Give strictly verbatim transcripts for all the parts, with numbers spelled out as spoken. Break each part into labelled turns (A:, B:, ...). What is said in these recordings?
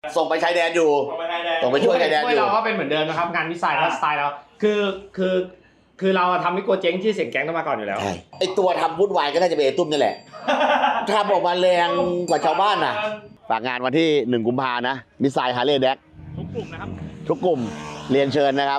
A: ส่งไปชายแดนอยู่ส่งไปช่วยชายแดนอยู่
B: เราก็เป็นเหมือนเดิมนะครับงานวิสัยและสไตล์เราคือคือคือเราทำให้กลัวเจ๊งที่เสียงแก๊งต้องมาก่อนอยู่แล้ว
A: ใช่ไอตัวทำวุ่นวายก็น่าจะเป็นไอตุ้มนี่แหละทำออกมาแรงกว่าชาวบ้านน่ะฝากงานวันที่หนึ่งกุมภานะมิสไซล์ฮาร์เลย์แดก
B: ทุกกลุ่มนะครับ
A: ทุกกลุ่มเรียนเชิญนะครับ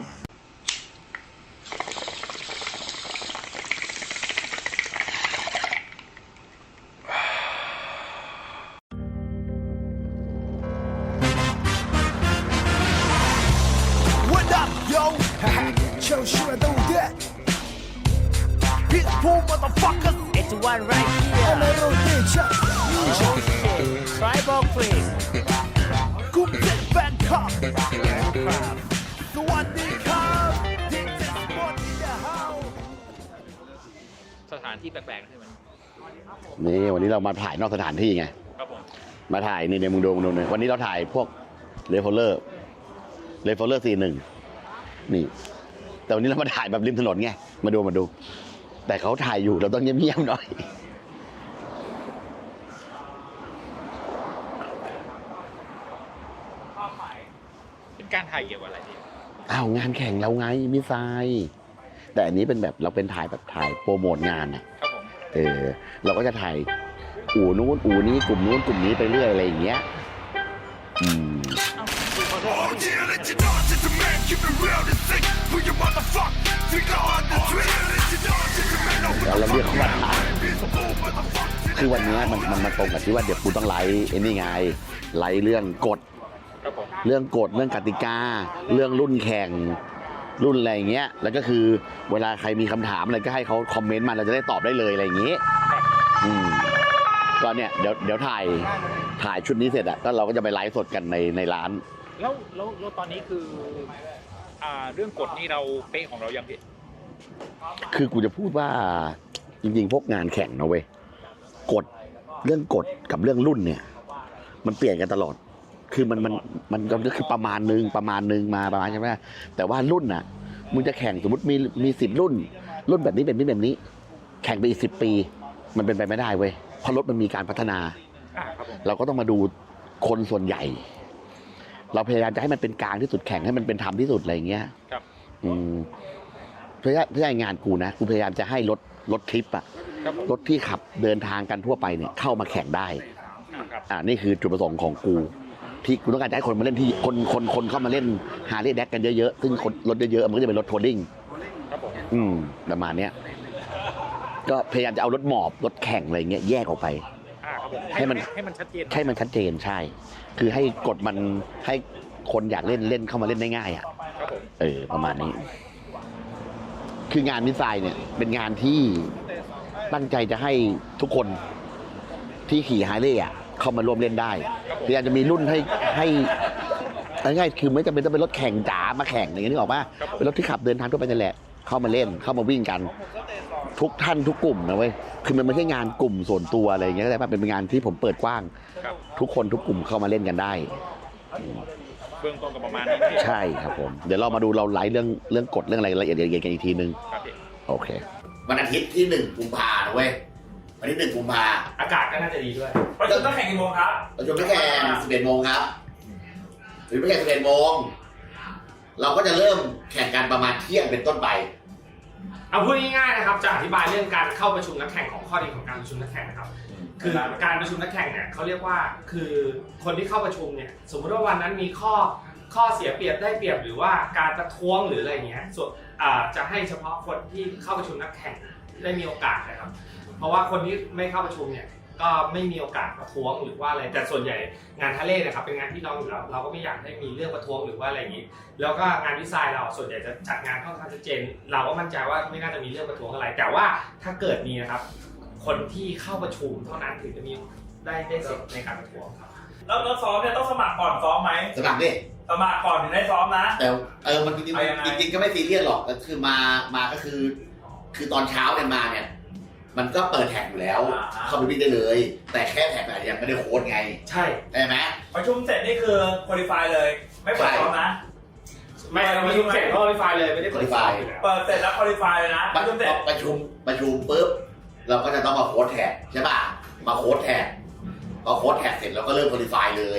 C: What up, yo? Show sure do that. Big boom, motherfuckers.
D: It's one right here.
C: I'm a rotation.
D: Tribal Queen.
C: Group Set Bangkok. The one they come. They just want in the house.
E: สถานที่แปลกๆใช่ไหม
A: นี่วันนี้เรามาถ่ายนอกสถานที่ไง
E: ครับผม
A: มาถ่ายนี่ในมึงดูมึงดูเลยวันนี้เราถ่ายพวกเรฟเฟอร์เลอร์เรฟเฟอร์เลอร์สี่หนึ่งนี่แต่วันนี้เรามาถ่ายแบบริมถนนไงมาดูมาดู แต่เขาถ่ายอยู่เราต้องเงียบๆหน่อย
E: เป็นการถ่ายเกี่ยวกับอะไรดี
A: อ้าวงานแข่งเราไงมิสไซล์แต่อันนี้เป็นแบบเราเป็นถ่ายแบบถ่ายโปรโมทงานอ่ะ
E: ครับผม
A: เออเราก็จะถ่ายอู่นู้นอู่นี้กลุ่มนู้นกลุ่มนี้ไปเรื่อยอะไรอย่างเงี้ยอืม
C: Oh, yeah, let you know, just a man, keep it real and sick. Put your motherfucker finger on the trigger. Let you know, just a man, no, we
A: แล้วเราเรียกเขาว่าถ่าย
C: be some boom, motherfucker.
A: คือวันนี้มันมันมาตรงกับที่ว่าเดี๋ยวกูต้องไลฟ์ไอ้นี่ไงไลฟ์เรื่องกฎ
E: ครับผม
A: เรื่องกฎเรื่องกติกา เรื่องรุ่นแข่งรุ่นอะไรอย่างเงี้ยแล้วก็คือเวลาใครมีคำถามอะไรก็ให้เขาคอมเมนต์มาเราจะได้ตอบได้เลยอะไรอย่างงี้อืมก็เนี่ยเดี๋ยวเดี๋ยวถ่ายถ่ายชุดนี้เสร็จอะก็เราก็จะไปไลฟ์สดกันในในร้าน
E: แล้วแล้วแล้วตอนนี้คืออ่าเรื่องกฎนี่เราเป๊ะของเรายังพี่
A: คือกูจะพูดว่าจริงๆพวกงานแข่งนะเว้ยกฎเรื่องกฎกับเรื่องรุ่นเนี่ย มันเปลี่ยนกันตลอด คือมันมันมันก็คือประมาณนึงประมาณนึงมาประมาณใช่ไหมแต่ว่ารุ่นน่ะมึงจะแข่งสมมติมีมีสิบรุ่น รุ่นแบบนี้แบบนี้แบบนี้ แข่งไปอีกสิบปี มันเป็นไปไม่ได้เว้ยเพราะรถมันมีการพัฒนา
E: อ่าครับผม
A: เราก็ต้องมาดูคนส่วนใหญ่ เราพยายามจะให้มันเป็นกลางที่สุดแข่งให้มันเป็นธรรมที่สุดอะไรอย่างเงี้ย
E: ครับ
A: อืมเพื่อเพื่องานกูนะกูพยายามจะให้รถรถทริปอะ
E: ครับผม
A: รถที่ขับเดินทางกันทั่วไปเนี่ยเข้ามาแข่งได้
E: อ่าครับ
A: อ่านี่คือจุดประสงค์ของกู ที่กูต้องการจะให้คนมาเล่นที่คนคนคนเข้ามาเล่นฮาร์เลย์แดกกันเยอะๆซึ่งคนรถเยอะๆมันก็จะเป็นรถทัวริง
E: ครับผม
A: อืมประมาณเนี้ยก็พยายามจะเอารถหมอบรถแข่งอะไรเงี้ยแยกออกไป
E: อ่าครับผม
A: ให้มัน
E: ให้มันชัดเจน
A: ให้มันชัดเจนใช่ คือให้กฎมันให้คนอยากเล่นเล่นเข้ามาเล่นได้ง่ายอ่ะ
E: ครับผม
A: เออประมาณนี้ คืองานมิสไซล์เนี่ย เป็นงานที่ตั้งใจจะให้ทุกคนที่ขี่ฮาร์เลย์อ่ะเข้ามาร่วมเล่นได้พยายามจะมีรุ่นให้ให้ง่ายๆคือไม่จำเป็นต้องเป็นรถแข่งจ๋ามาแข่งอย่างนี้นึกออกป่ะเป็นรถที่ขับเดินทางทั่วไปนั่นแหละเข้ามาเล่นเข้ามาวิ่งกัน ทุกท่านทุกกลุ่มนะเว้ยคือมันไม่ใช่งานกลุ่มส่วนตัวอะไรอย่างเงี้ยแต่ว่าเป็นงานที่ผมเปิดกว้าง
E: ครับ
A: ทุกคนทุกกลุ่มเข้ามาเล่นกันได้
E: เบื้องต้นก็ประมาณนี้พี่
A: ใช่ครับผมเดี๋ยวเรามาดูเราไลฟ์เรื่องเรื่องกฎเรื่องอะไรละเอียดละเอียดกันอีกทีนึง
E: ครับพี่
A: โอเควันอาทิตย์ที่หนึ่งกุมภาเว้ยวันที่หนึ่งกุมภา
B: อากาศก็น่าจะดีด้วย
F: ประชุมต้องแข่งกี่โมงครับ
A: ประชุมนักแข่งสิบเอ็ดโมงครับหรือไม่แข่งสิบเอ็ดโมงเราก็จะเริ่มแข่งกันประมาณเที่ยงเป็นต้นไป
B: เอาพูดง่ายๆนะครับจะอธิบายเรื่องการเข้าประชุมนักแข่งของข้อดีของการประชุมนักแข่งนะครับคือการประชุมนักแข่งเนี่ยเขาเรียกว่าคือคนที่เข้าประชุมเนี่ยสมมติว่าวันนั้นมีข้อข้อเสียเปรียบได้เปรียบหรือว่าการประท้วงหรืออะไรอย่างเงี้ยส่วนอ่าจะให้เฉพาะคนที่เข้าประชุมนักแข่งได้มีโอกาสนะครับเพราะว่าคนที่ไม่เข้าประชุมเนี่ยก็ไม่มีโอกาสประท้วงหรือว่าอะไรแต่ส่วนใหญ่งานทะเลนะครับเป็นงานที่น้องอยู่แล้วเราก็ไม่อยากให้มีเรื่องประท้วงหรือว่าอะไรอย่างนี้แล้วก็งานดีไซน์เราส่วนใหญ่จะจัดงานค่อนข้างชัดเจนเราก็มั่นใจว่าไม่น่าจะมีเรื่องประท้วงอะไรแต่ว่าถ้าเกิดมีนะครับคนที่เข้าประชุมเท่านั้นถึงจะมีได้ได้สิทธิ์ในการประท้วงครับ
F: แล้วแล้วซ้อมเนี่ยต้องสมัครก่อนซ้อมไหม
A: สมัครดิ
F: สมัครก่อนถึงได้ซ้อมนะ
A: แต่เออมันจริง
F: เอายังไง
A: ๆจริงๆก็ไม่ซีเรียสหรอกก็คือมามาก็คือ คือตอนเช้าเนี่ยมาเนี่ย มันก็เปิดแท็กอยู่แล้ว เข้าไปวิ่งได้เลย แต่แค่แท็กอะยังไม่ได้โค้ดไง
B: ใช่
A: ใช่ไหม
F: ประชุมเสร็จนี่คือคุริฟายเลย ไม่เปิดซ้อมนะ
B: ไม่เราประชุมเสร็จก็รีไฟล์เลยไม่ได้เปิดไฟล์
F: เปิดเสร็จแล้วคุริฟายเลยนะประชุมเสร็จ
A: ประชุมประชุมปุ๊บเราก็จะต้องมาโค้ดแท็กใช่ป่ะมาโค้ดแท็กพอโค้ดแท็กเสร็จเราก็เริ่มโคดิฟายเลย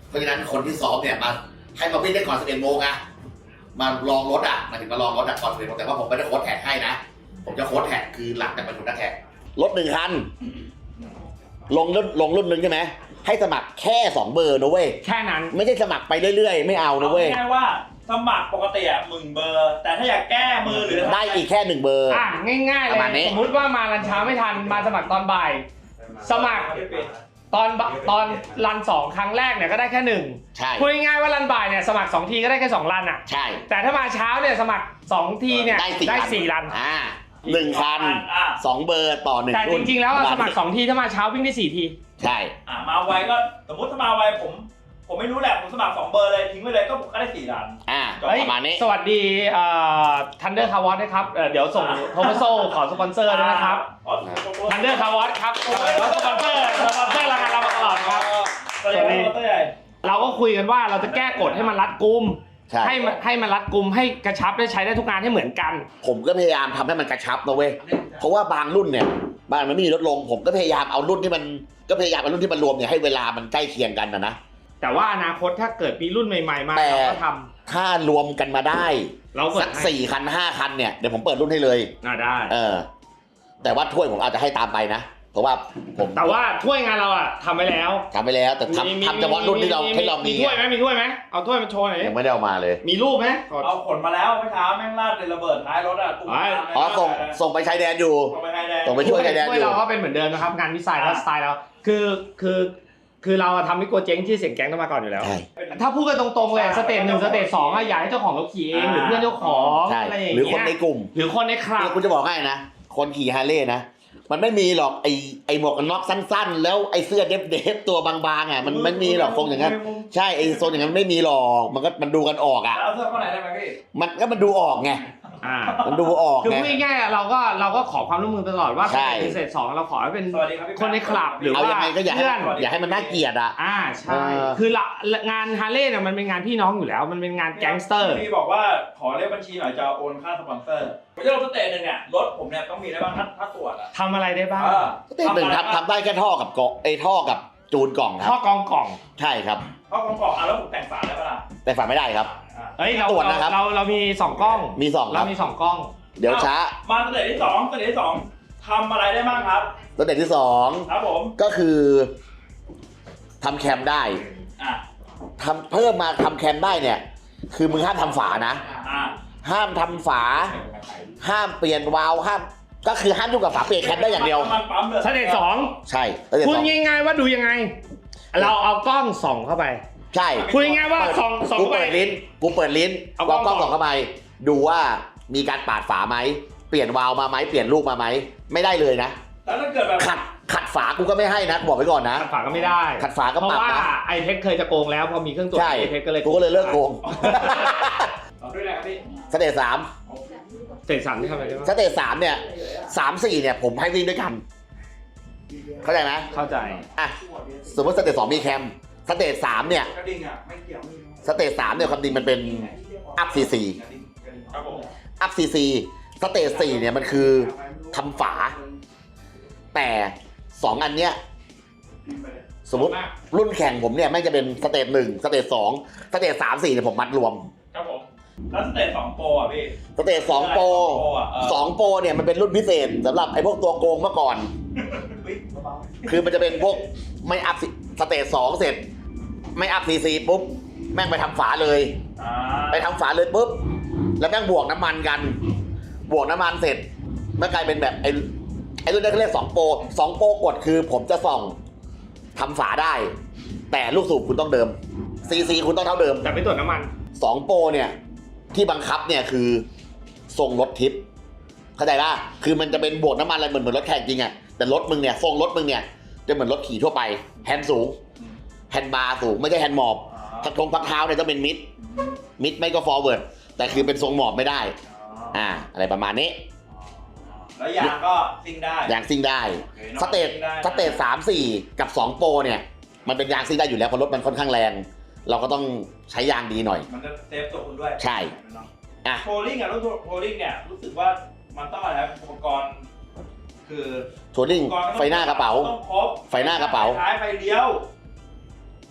A: เพราะฉะนั้นคนที่ซ้อมเนี่ยมาให้มาวิ่งได้ก่อนสิบเอ็ดโมงอะมาลองรถอะมาถึงมาลองรถอะก่อนสิบเอ็ดโมงแต่ว่าผมไม่ได้โค้ชแท็กให้นะผมจะโค้ชแท็กคือหลังจากประชุมนักแท็กรถหนึ่งคันลงรุ่นลงรุ่นหนึ่งใช่ไหมให้สมัครแค่สองเบอร์นะเว้ย
B: แค่นั้น
A: ไม่ใช่สมัครไปเรื่อยๆไม่เอานะเว้ย
F: อาง่ายๆว่าสมัครปกติอ่ะหมื่นเบอร์ แต่ถ้าอยากแก้มือหรือ
A: ได้อีกแค่หนึ่งเบอร์
B: อ่ะง่ายๆเล
A: ประมาณนี้
B: ยสมมุติว่ามารันเช้าไม่ทันมาสมัครตอนบ่าย สมัครตอนบ่ตอนรันสองครั้งแรกเนี่ยก็ได้แค่หนึ่ง
A: ใช่
B: พูดง่ายๆว่ารันบ่ายเนี่ยสมัครสองทีก็ได้แค่สองรันอ่ะ
A: ใช่
B: แต่ถ้ามาเช้าเนี่ยสมัครสองทีเนี่ย
A: ได้สี่
B: ได้
A: รัน
B: สี่รัน
A: อ่าหนึ่งคันสองเบอร์ต่อหนึ่ง
B: แต่จ
A: รุ่น
B: ริงๆแล้วอะสมัครสองทีถ้ามาเช้าวิ่งได้สี่ที
A: ใช่
F: อ่ามาไวก็สมมติถ้ามาไวผม ผมไม่รู้แหละผมสมัครสองเบอร์เลยทิ้งไว้เลยก็ก็ได้สี่รัน
A: อ่า
B: เฮ้ย
A: ประมาณนี้
B: สวัสดีทันเดอร์คาร์วอสนะครับเอ่อเดี๋ยวส่งโทมัสโซขอสปอนเซอร์ด้วยนะครับทันเดอร์คาร์วอสครับแล้วสปอนเซอร์สปอนเซอร์รายการเรามาตลอดครับ
F: สวัสดีครับตัวใหญ่
B: เราก็คุยกันว่าเราจะแก้กฎให้มันรัดกุม
A: ใช่
B: ให้มันให้มันรัดกุมให้กระชับได้ใช้ได้ทุกงานให้เหมือนกัน
A: ผมก็พยายามทำให้มันกระชับนะเว้ยเพราะว่าบางรุ่นเนี่ยบางมันไม่มีลดลง ผมก็พยายามเอารุ่นที่มันก็พยายามเอารุ่นที่มันรวมเนี่ยให้เวลามันใกล้เคียงกันนะนะ
B: แต่ว่าอนาคตถ้าเกิดมีรุ่นใหม่ๆมา
A: แต่
B: เราก็ท
A: ถ้ารวมกันมาได้
B: ำเราเปิ
A: สั
B: ด
A: ก
B: ให้
A: สี่คันห้าคันเนี่ยเดี๋ยวผมเปิดรุ่นให้เลย
B: อ่าได้
A: เออ แต่ว่าถ้วยผมอาจจะให้ตามไปนะเพราะว่าผม
B: แต่ว่าถ้วยงานเราอะทำไปแล้ว
A: ทำไปแล้วแต่
B: มีมี
A: ทำทำเฉพาะรุ่นที่เราที่เรามี
B: มีถ้วยไหมมีถ้วยไหมเอาถ้วยมาโชว์หน่อยดิ
A: ยังไม่ได้เอามาเลย
B: มีรูปไหมขอ
F: เอาขนมาแล้วเมื่อเช้าแม่งลาดเลยระเบิดท้ายรถอ่ะตุ้ม
A: อ๋อส่งส่งไปชายแดนอยู่
F: ส่งไปไทยแดง
A: ส่งไปช่วยชายแดน
B: ถ้
A: อ
B: วย
A: ยู่
B: เราก็เป็นเหมือนเดิมนะครับงานวิสัยและสไตล์เราคือคือคือเราทำให้กลัวเจ๊งที่เสียงแก๊งต้องมาก่อนอยู่แล้ว
A: ใช่
B: ถ้าพูดกันตรงๆเลยสเตจหนึ่งสเตจสองอะอยากให้เจ้าของรถขี่เองหรือเพื่อนเจ้าของ
A: ใช่
B: อะไรอย่าง
A: หรือ
B: เงี้ย
A: คนในกลุ่ม
B: หรือคนในคลับ
A: เนี่ยคุณจะบอกให้นะ คนขี่ฮาร์เลย์นะ มันไม่มีหรอกไอไอหมวกกันน็อกสั้นๆ แล้วไอเสื้อเดฟเดฟตัวบางๆอ่ะมันมันมีหรอกทรงอย่างนั้นใช่ไอโซนอย่างนั้นไม่มีหรอกมันก็มันดูกันออกอ่ะ
F: เอาเสื้อเข้าไหนได้ไหมพี่
A: มันก็มันดูออกไง
B: อ่า
A: มันดูออก
B: คือ
A: ไง
B: พูดง่ายๆอะเราก็เราก็ขอความร่วมมือตลอดว่าส
A: ใช่
B: เตจพิเศษสองเราขอให้เป็น
F: สวัสดีครับพี่
B: คนในคลับหรือ
A: เอา
B: ว่า
A: ยังไงก็อย่าให้
B: เพื่อน
A: อย่าให้มันน่าเกลียดอ่ะ
B: อ่าใช่
A: เออ
B: คือละงานฮาร์เลย์เนี่ยมันเป็นงานพี่น้องอยู่แล้ว มันเป็นงานแก๊งสเตอร์
F: พี่บอกว่าขอเลขบัญชีหน่อยจะโอนค่าสปอนเซอร์ผมจะลงสเตจหนึ่งเนี่ยรถผมเนี่ยต้องมีได้บ้างถ้าถ้าตรวจอ่ะ
B: ทำอะไรได้บ้าง
F: เออ
A: เต้นหนึ่งทำทำได้แค่ท่อกับเกาะไอท่อกับจูนกล่องค
B: ข้อ
A: รับ
B: กองกล่อง
A: ใช่ครับ
F: เข้ากองกล่องอ่ะแล้วผมแต่งฝาได้ปะล่ะ
A: แต่ฝากไม่ได้ครับ
F: อ่ะ
B: เฮ้ยเรา
A: ตรวจนะครับ
B: เราเรามีสองกล้อง
A: มีสองค
B: เรา
A: รับ
B: มีสองกล้อง
A: เดี๋ยวช้า
F: มาสเตจที่สองสเตจที่สองทำอะไรได้บ้างครับ
A: สเต็ปที่สอง
F: ครับผม
A: ก็คือทำแคมได้
F: อ่ะ
A: ทำเพิ่มมาทำแคมได้เนี่ย คือมึงห้ามทำฝานะ
F: อ่ะ
A: ห้ามทำฝา ห้ามเปลี่ยนวาล์วห้ามก็คือห้ามยุ่งกับฝาเปลี่ยนแคมได้อย่างเดียว
F: มันปั๊มเลย
B: สเตจสอง
A: ใช่สเต็ป
B: พูด
A: สอง
B: ง่ายๆว่าดูยังไง เราเอากล้องส่องเข้าไป
A: ใช่
B: พูดง่ายๆว่าส่องส่อง
A: กู
B: เข้าไป
A: เปิดลิ้นกูเปิดลิ้น
B: เอากล้
A: วา
B: อง
A: งกล้อง
B: ส่
A: ส่
B: อ
A: อง งเข้าไป ดูว่ามีการปาดฝาไหมเปลี่ยนวาล์วมาไหมเปลี่ยนลูกมาไหมไม่ได้เลยนะ
F: แล้วถ้าเกิดแบบ
A: ขัดขัดฝากูก็ไม่ให้นะบอกไว้ก่อนนะ
B: ฝาก็ไม่ได้
A: ขัดฝาก็
B: เพราะ
A: ปรับ
B: ว่า
A: นะ
B: ไอเทคเคยจะโกงแล้วพอมีเครื่องตรวจ
A: ใช่
B: ไอเทคก็เลย
A: กูก็เลยเลิกโกง
F: เอาด้วยนะครับพี่
A: สเตจสาม
B: สเตจสามที่ทำอะไรได้บ้าง
A: สเตจสามเนี่ยสามสี่เนี่ยผมให้วิ่งด้วยกัน เข้าใจไหม
B: เข้าใจ
A: อ่ะสมมติสเตจสองมีแคมสเตจสามเนี่ย
F: กระดิ่งอ่ะไม่เกี่ยว
A: สเตจสามเนี่ยความจริงมันเป็นอัพซีซี
F: ครับผม
A: อัพซีซีสเตจสี่เนี่ยมันคือทำฝา แต่สองอันเนี้ยสมมติรุ่นแข่งผมเนี่ยแม่งจะเป็นสเตจหนึ่งสเตจสองสเตจสามสี่เนี่ยผมมัดรวม
F: ครับผมแล้วสเตจสองโปรอ่ะพี่
A: สเตจสองโปร
F: อ่ะเออ
A: สองโปรเนี่ยมันเป็นรุ่นพิเศษสำหรับไอ้พวกตัวโกงเมื่อก่อน คือมันจะเป็นพวกไม่อัพสเตจสองเสร็จ ไม่อัพซีซีปุ๊บแม่งไปทำฝาเลย
F: อ่า
A: ไปทำฝาเลยปุ๊บแล้วแม่งบวกน้ำมันกัน บวกน้ำมันเสร็จมันกลายเป็นแบบไอ้ไอ้รุ่นนี้เขาเรียกสองโปรสองโปรกฎคือผมจะส่องทำฝาได้ แต่ลูกสูบคุณต้องเดิมซีซีคุณต้องเท่าเดิม
B: แต่ไม่ตรวจน้ำมัน
A: สองโปรเนี่ยที่บังคับเนี่ยคือทรงรถทิปเข้าใจป่ะคือมันจะเป็นบวกน้ำมันอะไรเหมือนเหมือนรถแข่งจริงอะแต่รถมึงเนี่ยทรงรถมึงเนี่ยจะเหมือนรถขี่ทั่วไปแฮนด์สูงแฮนด์บาร์สูงไม่ใช่แฮนด์มอบทักทงพักเท้าเนี่ยต้องเป็นมิดมิดไม่ก็ฟอร์เวิร์ดแต่คือเป็นทรงหมอบไม่ได้อ่าอะไรประมาณนี้
F: แล้วยางก็ซิ่งได้
A: ยางซิ่งได้สเตจสเตจสามสี่กับสองโปรเนี่ยมันเป็นยางซิ่งได้อยู่แล้วเพราะรถมันค่อนข้างแรง เราก็ต้องใช้ยางดีหน่อย
F: มันจะเซฟตัวคุณด้วย
A: ใช่อ่ะ
F: โพลิ่งอ่ะรุ่นโพลิ่งเนี่ยรู้สึกว่ามันต้องอะไรครับอุปกรณ์คือ
A: ทัวริง
F: อุปกรณ์
A: ไฟหน้ากระเป๋า
F: ต้องครบ
A: ไฟหน้ากระเป๋า
F: ท้ายไฟเลี้ยว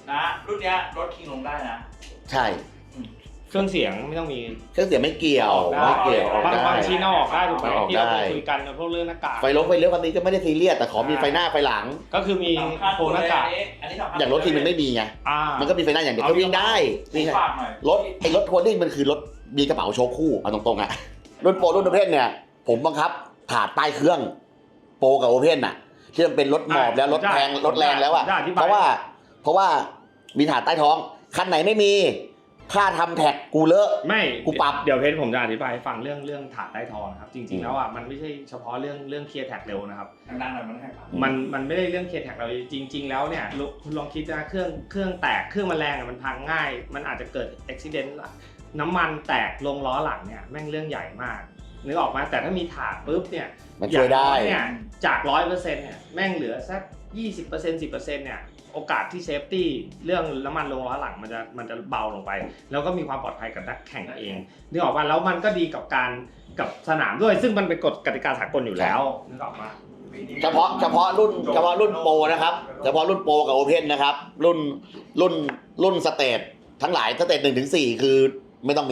F: นะรุ่นเนี้ยรถคิงลงได้นะ
A: ใช่
B: เครื่องเสียงไม่ต้องมี
A: เครื่องเสียงไม่เกี่ยวไม่เกี่ยวออก
B: บาง
A: ได้
B: บางชิ้นเอาออกได้ถูกไหม
A: ออก
B: ที่เรา
A: ได้
B: คุยกันพวกเรื่องหน้ากาก
A: ไฟลงไฟเลี้ยวคันนี้ก็ไม่ได้ซีเรียสแต่ขอมีไฟหน้าไฟหลัง
B: ก็คือมี
F: สำคัญ
B: โครงหน้ากาก
F: อันนี้อันนี้สำคัญ
A: อย่างรถทีมันไม่มีไง
B: อ่า
A: มันก็มีไฟหน้าอย่างเดียว
B: เอา
A: ก็วิ่งได้
F: ผม
A: วิ่งได้
F: ฝากหน่อย
A: รถไอ้รถทัวริ่งมันคือรถมีกระเป๋าโชว์คู่เอาตรงๆอะรุ่นโปรรุ่นโอเพนเนี่ย ผมบังคับถาดใต้เครื่องโปรกับโอเพนอะที่มันเป็นรถหมอบแล้วรถแพงรถแรงแล้วอะเพราะว่าเพราะว่ามีถาดใต้ท้องคันไหนไม่มีค่าทำแท็กกูเลอะ
B: ไม่
A: กูปรับ
B: เดี๋ยวเพชรผมจะอธิบายให้ฟังเรื่องเรื่องถาดใต้ท้องนะครับจริงๆแล้วอ่ะมันไม่ใช่เฉพาะเรื่องเรื่องเคลียร์แท็กเร็วนะครับ
F: ดังๆหน่อยมันให้ครับ
B: มันมันไม่ได้เรื่องเคลียร์แท็กเราจริง ๆ แล้วเนี่ยลุคุณลองคิดนะเครื่องเครื่องแตกเครื่องมันแรงอะมันพังง่าย มันอาจจะเกิดอุบิเหตุน้ำมันแตกลงล้อหลังเนี่ยแม่งเรื่องใหญ่มากนึกออกมาแต่ถ้ามีถาดปุ๊บเนี่ย
A: มันช่วยได้
B: อางน้อเนี่ยจากร้อยเปอร์เซ็นต์เนี่ยแม่งเหลือสักยี่สิบเปอร์เซ็นต์สิบเปอร์เซ็นต์เนี่ยโอกาสที่เซฟตี้เรื่องน้ำมันลงล้อหลังมันจะมันจะเบาลงไป แล้วก็มีความปลอดภัยกับนักแข่งเองนึกออกมาแล้วมันก็ดีกับการกับสนามด้วย ซึ่งมันเป็นกฎกติกาสากลอยู่แล้วนึกออกมา
A: เฉพาะเฉพาะรุ่นเฉพาะรุ่นโปรนะครับเฉพาะรุ่นโปรกับโอเพนนะครับรุ่นรุ่นรุ่นสเตททั้งหลายสเตทหนึ่งถึงสี่คือไม่ต้องมี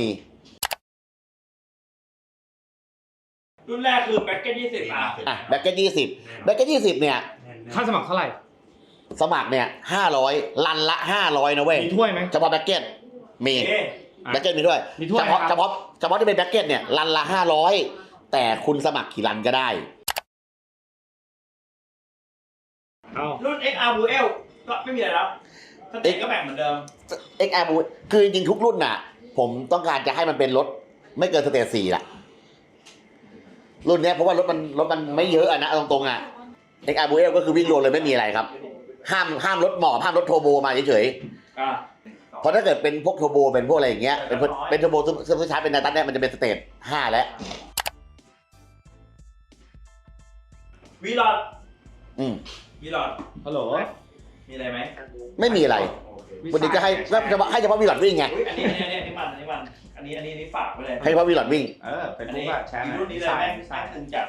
F: รุ่นแรกคือแบ็กเก็ตยี่สิบอ่ะ
A: อ่ะแบ็กเก็ตยี่สิบแบ็กเก็ตยี่สิบเนี่ย
B: ค่าสมัครเท่าไหร่
A: สมัครเนี่ยห้าร้อยลันละห้าร้อยนะเว้ย
B: มีถ้วยไหม
A: เฉพาะแบ็กเก็ตมี
F: เอ๊ะ
A: แบ็กเก็ตมีด้วย
B: มีถ้วย
A: เฉพาะ
B: ครับ
A: เฉพาะเฉพาะที่เป็นแบ็กเก็ตเนี่ยลันละห้าร้อยแต่คุณสมัครกี่ลันก็ได้
B: เอา
F: รุ่น เอ็กซ์ อาร์ Blue L ก็ไม่มีอะไรแล้วสเต็ปก็แบ่งเหมือนเดิม
A: เอ็กซ์ อาร์ Blue คือจริงๆทุกรุ่นน่ะ ผมต้องการจะให้มันเป็นรถไม่เกินสเตจสี่ละรุ่นเนี้ยเพราะว่ารถมันรถมันไม่เยอะอะนะเอาตรงๆอ่ะ เอ็กซ์ อาร์ Blue L ก็คือวิ่งโรนเลยไม่มีอะไรครับ ห้ามห้ามรถหมอบห้ามรถโทโบมาเฉย
F: อ่ะ
A: ๆเพราะถ้าเกิดเป็นพวกโทโบเป็นพวกอะไรอย่างเงี้ยเป็นเป็นโทโบซึ่งใช้เป็นนาตันเนี่ยมันจะเป็นสเตจห้าแล้ว
F: วีลอด
A: อืม
F: วีลอด
B: ฮัลโหล
F: มีอะไรไหม
A: ไม่มีอะไร วันนี้ก็ให้เฉพาะให้เฉพาะวีลอดวิ่งไง
F: อุ๊ยอันนี้อันนี้อันนี้มันอันนี้มันอันนี้อันนี้อันนี้ฝากไว้เลย
A: ให้เฉพาะวีลอดวิ่ง
B: เออเป็น
F: อัน
B: ปุ๊
F: นี้
B: บอะแชร์หน่อย
F: รุ่นนี้เลยแม่ง
B: ใช่
F: แม่งตึงจัด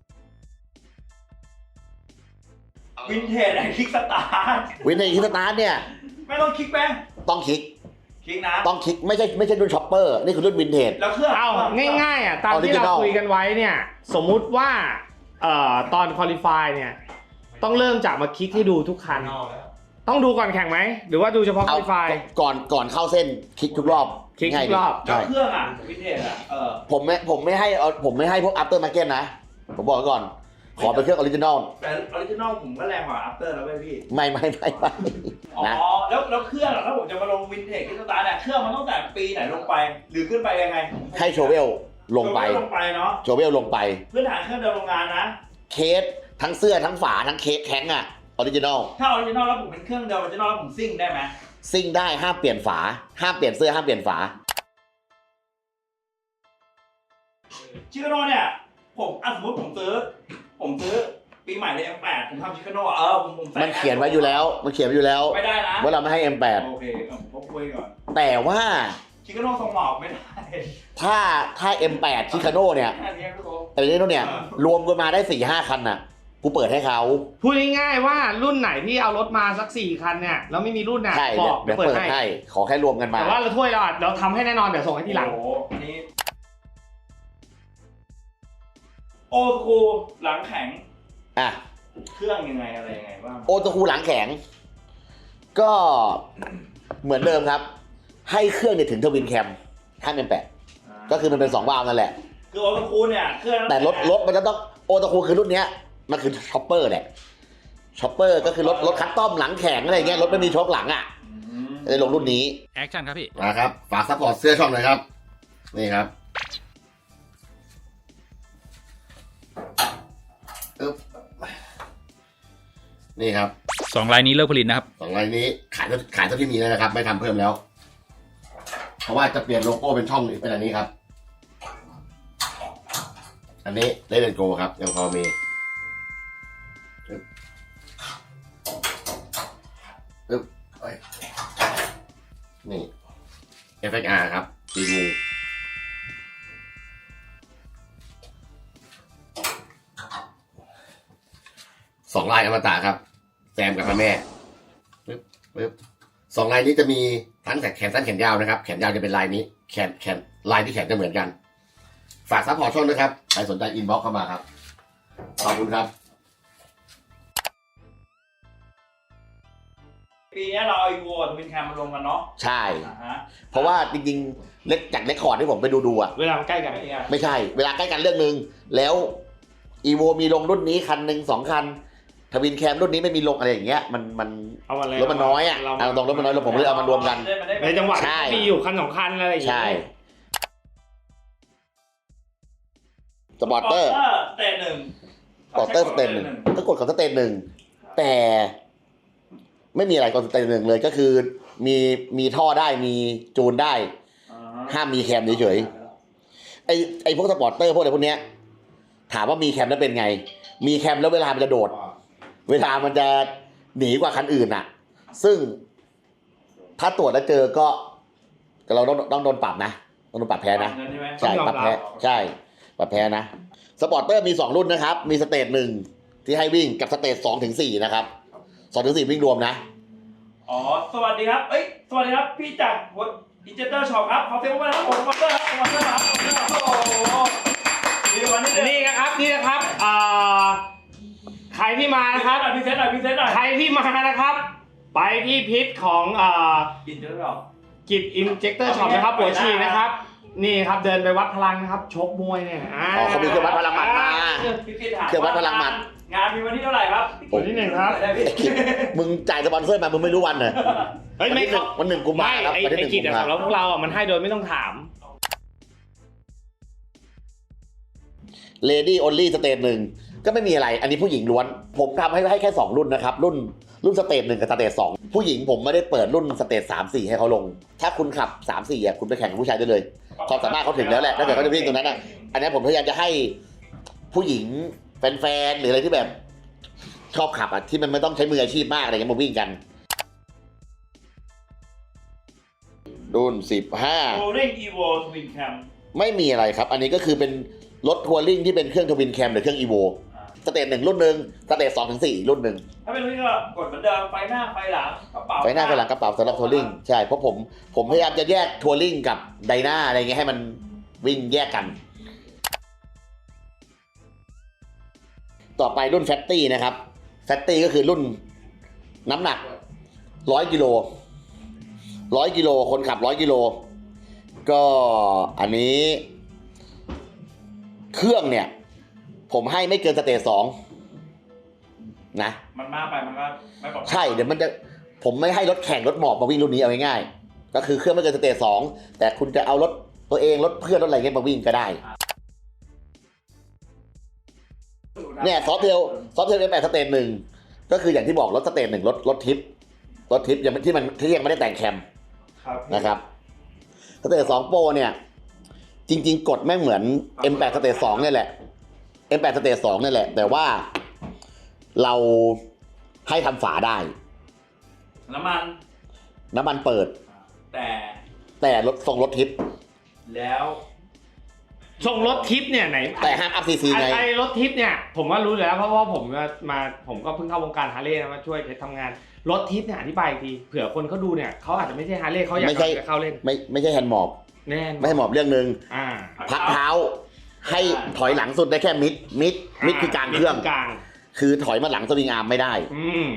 F: วินเทจไอ้คิกสตาร์ท
A: วินเทจคิกสตาร์ทเนี่ย
F: ไม่ต้องคลิกแม่ง
A: ต้องคลิก
F: คลิกนะ
A: ต้องคลิกไม่ใช่ไม่ใช่รุ่นช็อปเปอร์นี่คือรุ่นวินเทจ
F: แล้วเครื่อง
B: เอาง่ายๆอ่ะตามที่เรา
A: Original
B: คุยกันไว้เนี่ยสมมุติว่าเอ่อตอนคุริฟายเนี่ยต้องเริ่มจากมาคลิกให้ดูทุกคัน ต้องดูก่อนแข่งไหมหรือว่าดูเฉพาะคุ
A: เอา
B: ริฟาย
A: ก่อนก่อนเข้าเส้นคลิกทุกรอบ
B: คลิกทุก
A: ง่ายดี
B: รอบ
F: แล้ว
A: ใช่
F: เครื่องอ่ะวินเทจอ่ะเออ
A: ผมไม่ผมไม่ให้เอาผมไม่ให้พวก after market นะ ผมบอกไว้ก่อน ขอเป็นเครื่องออริจินอล
F: แต่ออริจินอลผมก็แรงกว่าอัปเตอร์แล้วเว้ยพี่
A: ไม่ไม่ไม่ไม่
F: อ๋อ
A: นะ
F: แล้วแล้วเครื่องอะถ้าผมจะมาลงวินเทจคิกสตาร์ทเนี่ยเครื่องมันต้องแต่ปีไหนลงไป หรือขึ้นไปยังไง
A: ให้โชเวลลงไป
F: ลงไปเนาะ
A: โชเวลลงไป
F: พื้นฐานเครื่องเดิมโรงงานนะ
A: เคสทั้งเสื้อทั้งฝาทั้งเคสแข็งอะออริจินอล
F: ถ้าออริจินอลแล้วผมเป็นเครื่องเดิมออริจินอลแล้วผมซิ่งได้ไหม
A: ซิ่งได้ห้ามเปลี่ยนฝา ห้ามเปลี่ยนเสื้อห้ามเปลี่ยนฝา
F: ชิคาโน่เนี่ยผมอ่ะสมมติผมซื้อ ผมซื้อปีใหม่เลย เอ็ม แปด ผมทำชิคาโน่เออผมผมใส่
A: มันเขียนไว้อยู่แล้ว มันเขียนไว้อยู่แล้ว
F: ไม่ได้นะ
A: ว่าเราไม่ให้ เอ็ม แปด
F: โอเคผมคุยก่อน
A: แต่ว่า
F: ชิคาโน่ทรงหมอกไม่ได้
A: ถ้าถ้า เอ็ม แปด ชิคาโน่เนี่ย
F: แค่นี้พี่โก้
A: แต่ในนี้เนี่ยรวมกันมาได้สี่ห้าคันน่ะ กูเปิดให้เขา
B: พูดง่ายๆว่ารุ่นไหนที่เอารถมาสักสี่คันเนี่ยแล้วไม่มีรุ่นน่ะ
A: ใช่
B: บ
A: เดี๋ย
B: อ
A: ว
B: ก
A: เดี๋ยว
B: เปิด
A: เปิด
B: ให้
A: ให้ ขอแค่รวมกันมา
B: แต่ว่าเราถ้วยเราอ่ะเราทำให้แน่นอนเดี๋ยวส่งให้ทีหลัง
F: โอ้โหอันนี้โอ้ครูหลังแข็ง
A: อ่ะ
F: เครื่องยังไงอะไรยังไงบ้าง
A: โอตคูหลังแข็ง ก็เหมือนเดิมครับ ให้เครื่องเนี่ยถึงทวินแคมห้ามเป็นแปดก็คือมันเป็นสองวาล์วนั่นแหละ
F: คือโอ้ครูเนี่ยเครื่อง
A: แต่รถรถมันจะต้องโอตคูคือรุ่นเนี้ยมันคือช็อปเปอร์แหละช็อปเปอร์ก็คือรถรถคัสตอมหลังแข็งอะไรเงี้ยรถไม่มีโชคหลังอ่ะ
F: อืม
A: เลยลงรุ่นนี้
E: แอคชั่นครับพี่
A: นะครับฝากซัพพอร์ตเสื้อช่องหน่อยครับ นี่ครับอึ๊บนี่ครับ
E: สองลายนี้เลิกผลิตนะครับ
A: สองรายนี้ขายขายเท่าที่มีแล้วนะครับ ไม่ทำเพิ่มแล้ว เพราะว่าจะเปลี่ยนโลโก้เป็นช่องนี้เป็นอันนี้ครับ อันนี้เลเดนโกครับยังพอมีอึ๊บอึ๊บเอ้ยนี่ เอฟ เอ็กซ์ อาร์ ครับตีงูสองลายอมตะครับ แซมกับพระแม่ปึ๊บปึ๊บสองลายนี้จะมีทั้งแขนสั้นแขนยาวนะครับแขนยาวจะเป็นลายนี้แขนแขนลายที่แขนจะเหมือนกันฝากซัพพอร์ตช่องด้วยครับใครสนใจอินบ็อกซ์เข้ามาครับขอบคุณครับ
F: ปีนี้เราเอาอีโวกับทวินแคมมารวมกันเนาะ
A: ใช่
F: อ่าฮะ
A: เพราะว่าจริงๆเล็กจากเรคคอร์ดที่ผมไปดูดูๆอ่ะ
B: เวลามันใกล้กัน
A: ไม่ใช่ เวลาใกล้กันเรื่องหนึ่งแล้วอีโวมีลงรุ่นนี้คันหนึ่งสองคันทวินแคมรุ่นนี้ไม่มีลงอะไรอย่างเงี้ยมันมัน
B: เอาอะไร
A: รถมันน้อยอ่ะ
B: เรา
A: เอาตรงรถมันน้อยแล้วผมเลยเอามารวมกัน
B: ในจังหวัด
A: ใช่
B: มีอยู่คันสองคันอะไรอย่างเงี้
A: ใช่
B: ย
A: สปอร์เตอร์
F: สเตนหนึ่ง
A: สปอร์เตอร์สเตนหนึ่งก็กดของสเตนหนึ่งแต่ไม่มีอะไรกดสเตนหนึ่งเลยก็คือมีมีท่อได้มีจูนได้
F: อ่าฮะ
A: ห้ามมีแคมเฉยๆไอไอพวกสปอร์เตอร์พวกอะไรพวกเนี้ยถามว่ามีแคมแล้วเป็นไง มีแคมแล้วเวลามันจะโดด เวลามันจะหนีกว่าคันอื่นอ่ะ ซึ่งถ้าตรวจแล้วเจอก็เราต้องต้องโดนปรับนะต้องโดนปรับแพ้นะ
F: เงินใช่ไหม
A: ใช่ปรับแพ้ใช่ปรับแพ้นะสปอร์เตอร์มีสองรุ่นนะครับ มีสเตจหนึ่งที่ให้วิ่งกับสเตจสองถึงสี่นะครับสองถึงสี่วิ่งรวมนะ
F: อ๋อสวัสดีครับเอ้ยสวัสดีครับพี่จากดิจิเตอร์ช็อปครับขอเซลล์มาครับผมสปอนเซอร์ครับสปอนเซอร์ครับสปอนเซอร์ครับโอ้โหดีวันนี้เลย
B: นี่นะครับนี่นะครับอ่าใครที่มานะครับ
F: พิเศษหน่อยพิเศษหน่อย
B: ใครที่มานะครับ ไปที่พิษของอ่า
F: กินเยอะหรอ
B: กิจอินเจคเตอร์ช็อปนะครับปวดฉี่นะครับ นี่ครับเดินไปวัดพลังนะครับชกมวยเนี่ยอ่า
A: อ๋อเขามีเครื่องวัดพลังหมัดมา
F: พี่กินถาม
A: เครื่องวัดพลังหมัด
F: งานมีวันที่เท่าไหร่ครับ
B: วันที่หนึ่งครับ
F: ได้พี่
A: มึงจ่ายสปอนเซอร์มามึงไม่รู้วันเหรอ
B: เฮ้ยไม่เขา
A: วันหนึ่งกุมภา
B: ไม่
A: ครับ
B: ไอ้
A: วันที่ห
B: ไอ้
A: นึ่ง
B: กิจ
A: กุ
B: อะ
A: มภา
B: สำหรับพวกเราอ่ะมันให้โดยไม่ต้องถาม
A: เลดี้ออนลี่สเตจหนึ่งก็ไม่มีอะไร อันนี้ผู้หญิงล้วน ผมทำให้ให้แค่สองรุ่นนะครับ รุ่นรุ่นสเตจหนึ่งกับสเตจสองผู้หญิงผมไม่ได้เปิดรุ่นสเตจสามสี่ให้เขาลง ถ้าคุณขับสามสี่อ่ะคุณไปแข่งกับผู้ชายได้เลยความสามารถเขาถึงแล้วแหละถ้าเกิดเขาจะวิ่งตรงนั้นอ่ะอันนี้ผมพยายามจะให้ผู้หญิงแฟนๆหรืออะไรที่แบบชอบขับอ่ะที่มันไม่ต้องใช้มืออาชีพมากอะไรเงี้ยมาวิ่งกัน รุ่นสิบห้า
F: โอเร่งอีโวทวินแคม
A: ไม่มีอะไรครับ อันนี้ก็คือเป็นรถทัวริงที่เป็นเครื่องทวินแคมหรือเครื่องอีโวสเตจหนึ่งรุ่นหนึ่งสเตจสองถึงสี่รุ่นหนึ่ง
F: ถ้าเป็นรุ่นนี้ก็กดเหมือนเดิมไฟหน้าไฟหลังกระเป๋า
A: ไฟหน้าไฟหลังกระเป๋าสำหรับทัวริงใช่เพราะผมผมพยายามจะแยกทัวริงกับไดนาอะไรเงี้ยให้มันวิ่งแยกกัน ต่อไปรุ่นแฟตตี้นะครับแฟตตี้ก็คือรุ่นน้ำหนักร้อยกิโลร้อยกิโลคนขับร้อยกิโลก็อันนี้ เครื่องเนี่ย ผมให้ไม่เกินสเตจสองนะ
F: มันมากไปมันก็ไม่ปลอดภัย
A: ใช่เดี๋ยวมันจะผมไม่ให้รถแข่งรถหมอบมาวิ่งรุ่นนี้เอาง่ายๆก็คือเครื่องไม่เกินสเตจสองแต่คุณจะเอารถตัวเองรถเพื่อนรถอะไรเงี้ยมาวิ่งก็ได้เนี่ยซอฟต์เทลซอฟต์เทลเอฟแปดสเตจหนึ่งก็คืออย่างที่บอกรถสเตจหนึ่งรถรถทิปรถทิปยังที่มันที่ยังไม่ได้แต่งแคม
F: ครับ
A: นะครับสเตจสองโปรเนี่ยจริงๆกดแม่งเหมือน เอ็ม แปด สเตจสองนี่แหละ เอ็ม แปด สเตจสองนี่แหละแต่ว่าเราให้ทำฝาได้
F: น้ำมัน
A: น้ำมันเปิด
F: แต่
A: แต่รถทรงรถทิป
F: แล้ว
B: ส่งรถทิปเนี่ยไหน
A: แต่ห้ามอัพซีซีไง
B: ไอ้รถทิปเนี่ยผมว่ารู้อยู่แล้วเพราะว่าผมมาผมก็เพิ่งเข้าวงการฮาร์เลย์นะมาช่วยเพชรทำงานรถทิปเนี่ยอธิบายอีกทีเผื่อคนเขาดูเนี่ยเขาอาจจะไม่ใช่ฮาร์เลย์เขาอยาก
A: ไม่ใช่
B: จะเข้าเล่น
A: ไม่ไม่ใช่แฮนด์มอบ
B: แน่น
A: ไม่ให้หมอบเรื่องหนึ่ง
B: อ่า
A: พักเท้าให้ถอยหลังสุดได้แค่มิดมิดมิดคือกลางเครื่อง
B: มิดกลาง
A: คือถอยมาหลังสวิงอาร์มไม่ได้
B: อืม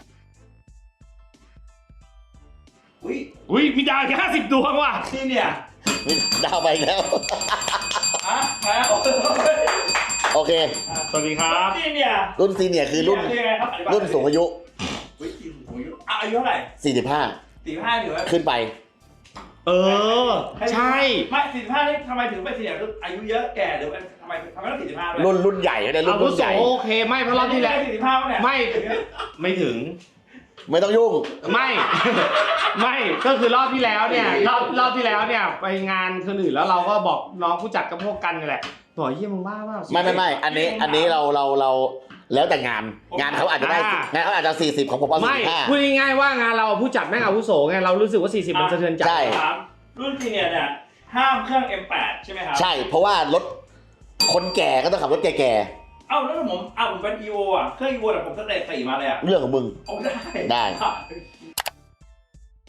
F: อุ้ย
B: อุ้ยมีดาวแค่ห้าสิบดวงว่ะ
F: นี่เนี่ย
A: ดาวไปอีกแล้ว
F: ฮะมาโอ้โห
A: โอเค
B: สวัสดีครับ
F: นี่เนี่ย
A: รุ่นซีเนียร์คือรุ่น
F: ยังไงครับอธิบาย
A: รุ่นสูงอายุ
F: อุ้ยรุ่นสูงอายุอ่ะอายุเท่าไหร่
A: สี่สิบห้า
F: สี่ห้าถือว่า
A: ขึ้นไป
B: เออ ใช่
F: ไม่สี่สิบห้านี่ทำไมถึงไปสี่สิบอายุเยอะแก่หรือทำไมทำไมต้องสี่สิบห้าด้วย
A: รุ่นรุ่นใหญ่เนี่ยรุ่
B: อาน วุ
A: รุ่น
B: โส
A: ใหญ่
B: โอเคไม่เพราะรอบที่แล้ว
F: สี่สิบห้าเนี่ย
B: ไม่ไม่ถึง
A: ไม่ต้องยุ่ง
B: ไม่ ไม่ก็คือรอบที่แล้วเนี่ยรอบรอบที่แล้วเนี่ยไปงานคนอื่นแล้วเราก็บอกน้องผู้จัดกับพวกกันนี่แหละบอกเยี่ยมึงบ้าเปล่า
A: ไม่ไม่ไม่อันนี้อันนี้เราเราเราแล้วแต่งาน งานเขาอาจจะได้งานเขาอาจจะสี่สิบของผมเอา
B: ไม่
A: สี่สิบห้า
B: พูดง่ายๆว่างานเราผู้จัดแม่งอาวุโสไงเรารู้สึกว่าสี่สิบมันสะเทือนใจ
A: ใช่
F: ถามรุ่นซีเนียร์เนี่ยห้ามเครื่อง เอ็ม แปด ใช่ไหมครับ
A: ใช่เพราะว่ารถคนแก่ก็ต้องขับรถแก่
F: เอ้าแล้วถ้าผมอ้าวผมเป็น อี โอ อ่ะเครื่อง อี โอ แต่ผมสเตจสี่มาเลยอ่ะ
A: ๆเรื่องของมึง
F: ผมได้
A: ได้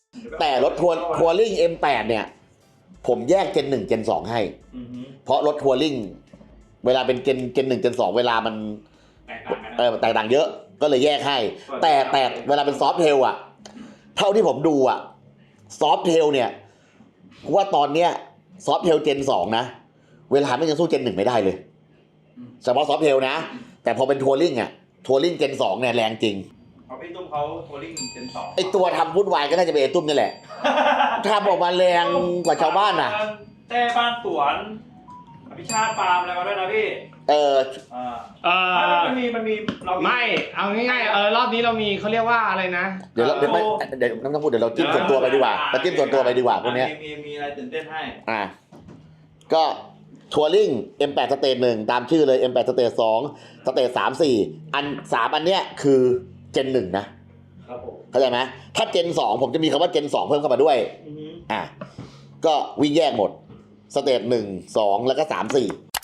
A: แต่รถทัวร์ทัวริง เอ็ม แปด เนี่ย ผมแยกเจนหนึ่งเจนสองให้
F: อือฮึ
A: เพราะรถทัวริงเวลาเป็นเจนเจนหนึ่งเจนสองเวลามัน
F: แตกต่างกัน
A: เออแตกต่างเยอะก็เลยแยกให้ แต่แต่เวลาเป็นซอฟต์เทลอะเท่าที่ผมดูอะซอฟต์เทลเนี่ยว่าตอนเนี้ยซอฟต์เทลเจนสองนะเวลาไม่ยังสู้เจนหนึ่งไม่ได้เลยเฉพาะซอฟต์เทลนะแต่พอเป็นทัวริงอะทัวริงเจนสองเนี่ยแรงจริง
F: เอาพี่ตุ้มเขาทัวริงเจนสอง
A: ไอตัวทำวุ่นวายก็น่าจะเป็นไอตุ้มนี่แหละทำออกมาแรงกว่าชาวบ้านน่ะ
F: เต้บ้านสวนอภิชาติฟาร์มอะไรมาด้วยนะพี่
A: เออ
F: อ่า
B: เออ
F: มันมีมันมีเรา
B: ไม่เอาง่ายๆเออรอบนี้เรามีเขาเรียกว่าอะไรนะ
A: เดี๋ยวเราเดี๋ยวไม่เดี๋ยวน้องต้องพูดเดี๋ยวเราจิ้มส่วนตัวไปดีกว่าเราจิ้มส่วนตัวไปดีกว่าพวกเนี้ย
F: มีมีมีอะไรตื่นเต้นให้
A: อ่ะก็ทัวริง เอ็ม แปด สเตจหนึ่งตามชื่อเลย เอ็ม แปด สเตจสองสเตจสามสี่อันสามอันเนี้ยคือเจนหนึ่งนะครับ
F: ผม
A: เข้าใจไหมถ้าเจนสองผมจะมีคำว่าเจนสองเพิ่มเข้ามาด้วย
F: อือฮึ
A: อ่ะก็วิ่งแยกหมดสเตจหนึ่งสองแล้วก็สามสี่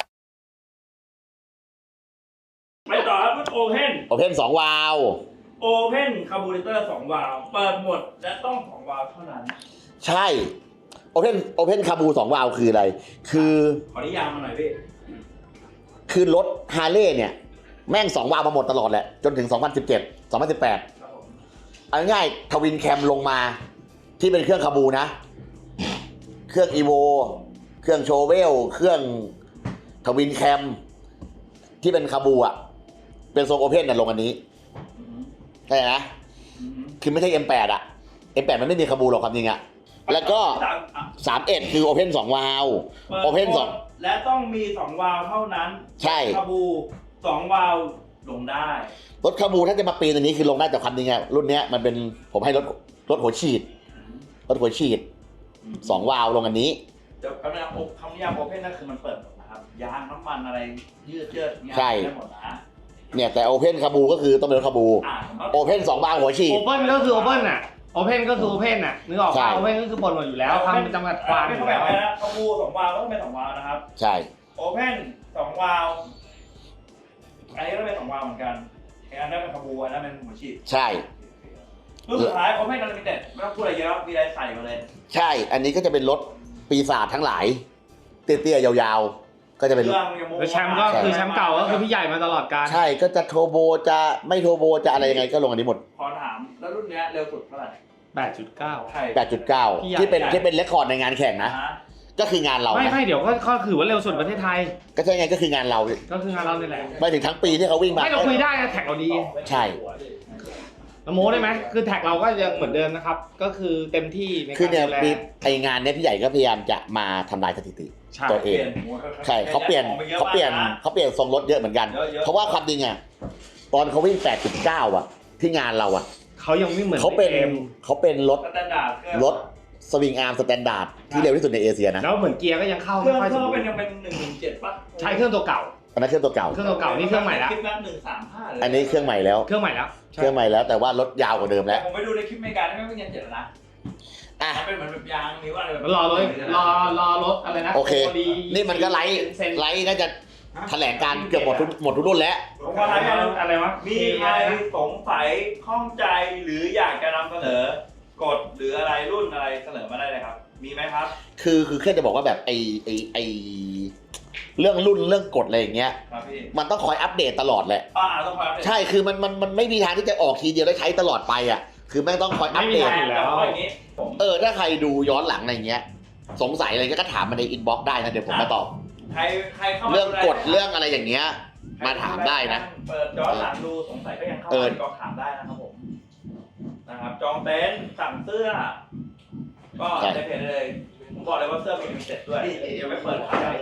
F: ไปต่อครับรุ่นโอเพน
A: โอเพนสองวาล์ว
F: โอเพนคาร์บูเรเตอร์สองวาล์วเปิดหมดและต้องสองวาล์วเท่านั้น
A: ใช่โอเพนโอเพนคาบูสองวาล์วคืออะไร คือ
F: ขอนิยามมาหน่อยพี่
A: คือรถฮาร์เลย์เนี่ย แม่งสองวาล์วมาหมดตลอดแหละ จนถึง สองพันสิบเจ็ด สองพันสิบแปด
F: ครับผม
A: เอาง่ายๆทวินแคมลงมาที่เป็นเครื่องคาบูนะ เครื่องอีโวเครื่องโชเวล เครื่องทวินแคมที่เป็นคาบูอ่ะ เป็นทรงโอเพนน่ะลงอันนี้
F: อือฮึ
A: เข้าใจนะ
F: อือฮึ
A: คือไม่ใช่ เอ็ม แปด อ่ะ เอ็ม แปด มันไม่มีคาบูหรอกความจริงอ่ะ แล้วก็
F: สามอ่ะ
A: สามสิบเอ็ด คือโอเพนสองวาล์ว
F: ปิด
A: โอเพน
F: หมด
A: สอง
F: และต้องมีสองวาล์วเท่านั้น
A: ใช่
F: คาบูสองวาล์วลงได้
A: รถคาบูถ้าจะมาปีนอันนี้คือลงได้แต่ความจริงอะรุ่นเนี้ยมันเป็นผมให้รถรถหัวฉีดรถหัวฉีดสองวาล์วลงอันนี้
F: เดี๋ยวคำนิยามคำนิยามโอเพนนั่นคือมันเปิดหมดนะครับยางน้ำมันอะไรยืดเยืดงาน
A: ใช่
F: ได้หมดนะ
A: เนี่ยแต่โอเพนคาบูก็คือต้องเป็นรถคาบู
F: อ่า
A: โอเพนสองวาล์วหัวฉีด
B: โอเพ่นก็คือโอเพ่นอ่ะโอเพ่นก็คือโอเพ่นอ่ะนึกออก
A: ใช่
B: ป่ะโอเพ่นก็คือบนหมดอยู่แล้วคำจำกัดความอ
F: ไม่
B: ยู่
F: เขาแบ
B: แล้ว
F: บนะคาบูสองวาล์วก็ต้องเป็นสองวาล์วนะครับ
A: ใช่
F: โอเพนสองวาล์วอันนี้ก็เป็นสองวาล์วเหมือนกันอีกอันนั้นเป็นคาบูอันนั้นเป็นหัวฉีด
A: ใช่
F: รุ่นสุดท้ายโอเพนนันลิมิเต็ดไม่ต้องพูดอะไรเยอะมีอะไรใส่มาเลย
A: ใช่ อันนี้ก็จะเป็นรถปีศาจทั้งหลาย เตี้ยๆยาวๆ ก็จะเป็น
F: เครื่องยังโม
B: แล้วแชมป์ก็คือแชมป์เก่าก็คือพี่ใหญ่มาตลอดกาล
A: ใช่ก็จะโทโบจะไม่โทโบจะอะไรยังไงก็ลงอันนี้หมด
F: ขอถามแล้วรุ่นเนี้ยเร็วสุดเท่าไหร่
B: แปดจุดเก้า
F: ใช่
A: แปดจุดเก้า
B: พี่ใหญ่
A: ที่เป็นที่เป็นเรคคอร์ดในงานแข่งนะ
F: ฮะ
A: ก็คืองานเรา
B: ไม่
A: นะ
B: ไม่เดี๋ยวก็ก็คือว่าเร็วสุดประเทศไทย
A: ก็ใช่ไงก็คืองานเรา
B: ก็คืองานเราเนี่ยแหละ
A: ไปถึงทั้งปีที่เขาวิ่งมา
B: ไม่เราคุยได้นะแท็กเราดี
A: ใช่
B: เราโม้ได้ไหมคือแท็กเราก็ยังเหมือนเดิมนะครับ ก็คือเต็มที่ใน
A: คือ
B: การ
A: เนี่ย
B: ดูแล
A: ปีไองานเนี้ยพี่ใหญ่ก็พยายามจะมาทำลายสถิติ
B: ใช่
A: ตัวเอง ใช่เขาเปลี่ยนเขาเปลี่ยนเขาเปลี่ยนทรงรถเยอะเหมือนกัน เพราะว่าความจริงอ่ะตอนเขาวิ่ง แปดจุดเก้า อ่ะ ที่งานเราอ่ะ
B: เขายังไม่เหมือน
A: เขาเป็น
B: อ็ม
A: เขาเป็นรถ
F: สแตนดาร์ดเครื่อง
A: รถสวิงอาร์มสแตนดาร์ดที่เร็วที่สุดในเอเชียนะ
B: แล้วเหมือนเกียร์ก็ยังเข้า
F: เครื่
B: ไม่
F: อง
B: ค่อย
F: เค
B: ส
F: รื่
B: ม
F: อง
B: บู
F: เป็น
B: รณ์
F: ยังเป็นหนึ่งหนึ่งเจ็ดป่ะ
B: ใช้เครื่องตัวเก่า
A: อันนั้นเครื่องตัวเก่า
B: เครื่องตัวเก่านี่เครื่องใหม่แล้ว
F: คลิปนั้นหนึ่งสามห้าเลย
A: อันนี้เครื่องใหม่แล้ว
B: เครื่องใหม่แล้ว
A: เครื่องใหม่แล้วแต่ว่ารถยาวกว่าเดิม
F: แต่
A: แล้ว
F: ผมไปดูในคลิปอเมริกาที่ไม่เป็นยันเจ็ดแล้วนะ
A: อ่ะ
F: มันเป็นเหมือนแบบยางนิ้วอะไรแบบ
B: แล้วรอรถรอรอรถอะไรนะ
A: โอเค
B: ดี
A: นี่มันก็ไลฟ์
B: เซ็น
A: ไลฟ์น่าจะแถลงการเกือบหมดทุกหมดทุกรุ่นแล้ว
F: ผมว่าอะไรกัน
B: อะไรวะ
F: มีใครสงสัยข้องใจหรืออยากจะนำเสนอกฎหรืออะไรรุ่นอะไรเสนอมาได้เลยครับ มีไหมครับ
A: คือคือแค่จะบอกว่าแบบไอไอไอเรื่องรุ่นเรื่องกฎอะไรอย่างเงี้ย
F: ครับพี่
A: มันต้องคอยอัปเดตตลอดแหละ
F: อ่าต้องคอยอัปเดต
A: ใช่คือมันมันมันไม่มีทางที่จะออกทีเดียวแล้วใช้ตลอดไปอ่ะคือแม่งต้องคอยอัปเดต
F: แต่ว่าอย่างนี้ผม
A: เออถ้าใครดูย้อนหลังอะไรเงี้ย สงสัยอะไรก็ถามมาในอินบ็อกซ์ได้นะเดี๋ยวผมมาตอบ
F: ใครใครเข้ามา
A: เรื่องกฎ
F: ดูแล
A: เรื่องอะไรอย่างเงี้ย มาถามได้นะ
F: เปิดย้อนหลังดูสงสัยก็ยังเข้า
A: เออ
F: มาก็ถามได้นะครับผมนะครับจองเต็นท์สั่งเสื้อ ก็ในเพจได้เลยผมบอกเลยว่าเสื้อมีลิมิเต็ดด้วยเดี๋ยวไปเปิดขาย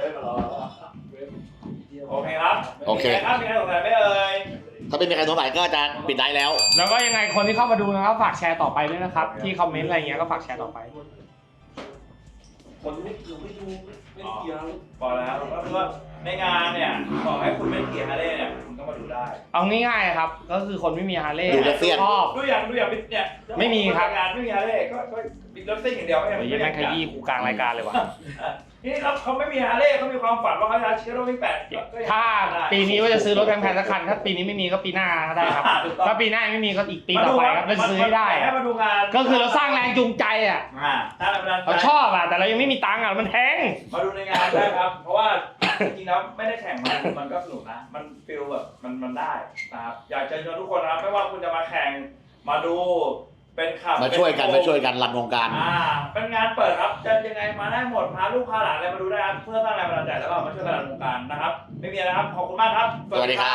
F: โอเคครับ
A: โอเค
F: มีใครครับมีใครสงสัยไหมเอ่ย
A: ถ้าไม่มีใครสงสัยก็จะปิดได้แล้ว
B: แล้วก็ยังไงคนที่เข้ามาดูนะครับฝากแชร์ต่อไปด้วยนะครับ ที่คอมเมนต์อะไรเงี้ยก็ฝากแชร์ต่อไป
F: คนไม่เกี่ยวไม่ดูไม่เกี่ยวพอแล้วก็คือว่าในงานเนี่ยบอกให้คุณไม่เกี่ยวฮาร์เลย์เนี่ยคุณก็มาดูได้
B: เอาง่ายๆครับ ก็คือคนไม่มีฮาร์เลย์
A: ดูแล้วเสี้ยน
B: ชอบ
F: ดูอย่างดูอย่างเนี่ย
B: ไม่มีครับ
F: งานไม่มีฮาร์เลย์ก็ก็บิดรถซิ่งอย่างเดียวก็ยัง
B: เดี๋ยวแม่งขยี้กูกลางรายการเลยวะ
F: นี่ครับเขาไม่มีฮาร์เลย์เขามีความฝันว่าเขาจะเชื่อรถวิ่งแปดก็ยัง
B: ถ้า
F: ได้
B: ปีนี้ว่าจะซื้อรถแพงๆสักคันถ้าปีนี้ไม่มีก็ปีหน้าก็ได้ครับ
F: ถูกต้อง
B: ถ้าปีหน้าไม่มีก็อีกปีต่อไปครับจะซื้อให้ได้
F: ให้มาดูงาน
B: ก็คือเราสร้างแรงจูงใจอ่ะ
F: อ่าสร้างแรงบันดาลใจ
B: เราชอบอ่ะแต่เรายังไม่มีตังค์อ่ะมันแพง
F: มาดูในงานได้ครับ เพราะว่าจริงๆแล้วไม่ได้แข่งมันมันก็สนุกนะ มันฟีลแบบมันมันได้นะครับอยากจะเชิญทุกคนนะครับไม่ว่าคุณจะมาแข่งมาดูเป็นขับ
A: มาช่วยกันมาช่วยกันรันวงการ
F: อ่าเป็นงานเปิดครับจะยังไงมาได้หมดพาลูกพาหลานอะไรมาดูได้ครับเพื่อสร้างแรงบันดาลใจแล้วก็มาช่วยกันรันวงการนะครับ ไม่มีอะไรครับขอบคุณมากครับ
A: สวัสดีครับ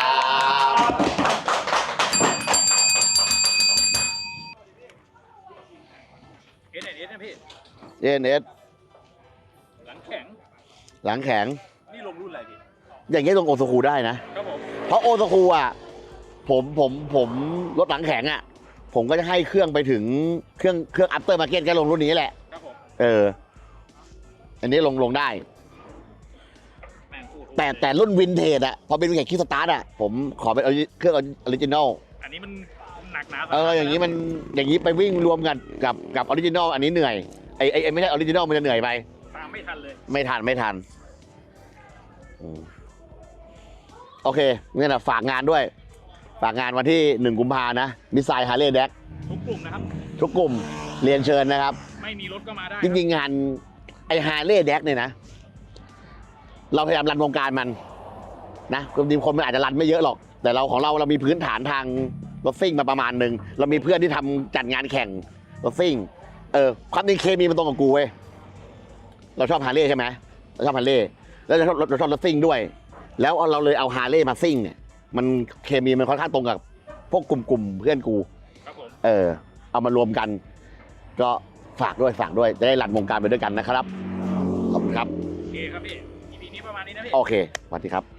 E: เอสเอสนะพี่
A: เอ็นเอส
E: หลังแข็ง
A: หลังแข็ง
E: นี่ลงรุ่นอะไรพี่
A: อย่างเงี้ยลงโอซาคูได้นะ
E: ครับผม
A: เพราะโอซาคูอ่ะผมผมผมรถหลังแข็งอ่ะ ผมก็จะให้เครื่องไปถึงเครื่องเครื่องอัปเตอร์มาร์เก็ตก็ลงรุ่นนี้แหละ
E: ครับผม
A: เออ อันนี้ลงลงได้
E: แม่งพูด
A: แต่แต่รุ่นวินเทจอ่ะพอเป็นแข่งคิกสตาร์ทอ่ะผมขอเป็นเครื่องออริจินอล
E: อันนี้มันหนักหนา
A: เอออย่างนี้มันอย่างนี้ไปวิ่งรวมกันกับกับออริจินอลอันนี้เหนื่อยไอไอไอ้ไม่ใช่ออริจินอลมันจะเหนื่อยไป
E: ตามไม่ทันเลย
A: ไม่ทันไม่ทันอืมโอเคเนี่ยนะฝากงานด้วย ฝากงานวันที่หนึ่งกุมภานะมิสไซล์ฮาร์เลย์แดก
E: ทุกกลุ่มนะครับ
A: ทุกกลุ่มเรียนเชิญนะครับ
E: ไม่มีรถก็มาได้
A: จริงๆงานไอฮาร์เลย์แดกเนี่ยนะ เราพยายามรันวงการมันนะจริงๆคนมันอาจจะรันไม่เยอะหรอก แต่เราของเราเรามีพื้นฐานทางรถซิ่งมาประมาณหนึ่งเรามีเพื่อนที่ทำจัดงานแข่งรถซิ่งเออความจริงเคมีมันตรงกับกูเว้ยเราชอบฮาร์เลย์ใช่ไหมเราชอบฮาร์เลย์แล้วเราชอบเราชอบรถซิ่งด้วย แล้วเราเลยเอาฮาร์เลย์มาซิ่งเนี่ยมันเคมีมันค่อนข้างตรงกับพวกกลุ่มๆเพื่อนกู
E: ครับผม
A: เออเอามารวมกัน ก็ฝากด้วยฝากด้วยจะได้รันวงการไปด้วยกันนะครับขอบคุณครับ
E: โอเคครับพี่ อี พี นี้ประมาณนี้นะพี่
A: โอเคสวัสดีครับ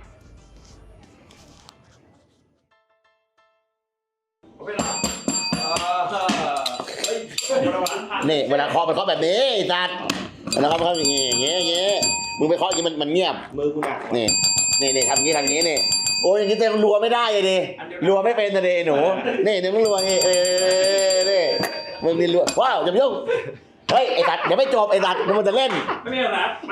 F: เวลาเออเฮ้ยเวลาผ่าน
A: นี่เวลาเคาะมันเคาะแบบนี้ไอ้สัตว์เวลาเคาะมันเคาะอย่างงี้อย่างงี้อย่างงี้มึงไปเคาะอย่างงี้มันมันเงียบ
B: มือกูหนัก
A: นี่นี่นี่ทำอย่างงี้ทำอย่างงี้นี่โอ้ยอย่างงี้เต็มรัวไม่ได้เลยดิรัวไม่เป็นเลยหนูนี่เดี๋ยวมึงรัวงี้เออนี่มึงนี่รัวว้าวอย่าไปยุ่งเฮ้ยไอ้สัตว์เดี๋ยวไม่จบไอ้สัตว์มึงมันจะเล่น
F: ไม่มีหรอกนะ